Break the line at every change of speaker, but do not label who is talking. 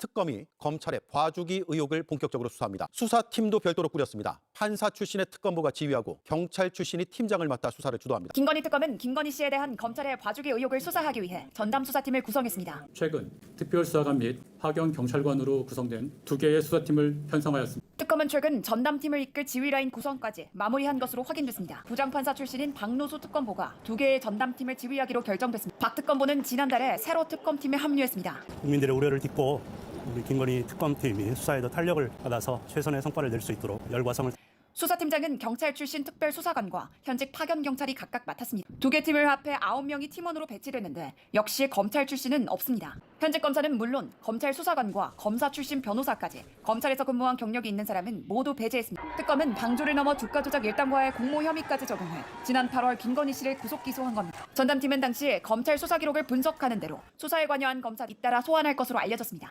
특검이 검찰의 봐주기 의혹을 본격적으로 수사합니다. 수사팀도 별도로 꾸렸습니다. 판사 출신의 특검부가 지휘하고 경찰 출신이 팀장을 맡아 수사를 주도합니다.
김건희 특검은 김건희 씨에 대한 검찰의 봐주기 의혹을 수사하기 위해 전담 수사팀을 구성했습니다.
최근 특별수사관 및 하경 경찰관으로 구성된 2개의 수사팀을 편성하였습니다.
특검은 최근 전담팀을 이끌 지휘라인 구성까지 마무리한 것으로 확인됐습니다. 부장판사 출신인 박노수 특검보가 2개의 전담팀을 지휘하기로 결정됐습니다. 박 특검보는 지난달에 새로 특검팀에 합류했습니다.
국민들의 우려를 딛고 우리 김건희 특검팀이 수사에 더 탄력을 받아서 최선의 성과를 낼 수 있도록 열과성을
수사팀장은 경찰 출신 특별수사관과 현직 파견 경찰이 각각 맡았습니다. 2개 팀을 합해 9명이 팀원으로 배치됐는데 역시 검찰 출신은 없습니다. 현직 검사는 물론 검찰 수사관과 검사 출신 변호사까지 검찰에서 근무한 경력이 있는 사람은 모두 배제했습니다. 특검은 방조를 넘어 주가 조작 일당과의 공모 혐의까지 적용해 지난 8월 김건희 씨를 구속 기소한 겁니다. 전담팀은 당시 검찰 수사 기록을 분석하는 대로 수사에 관여한 검사 잇따라 소환할 것으로 알려졌습니다.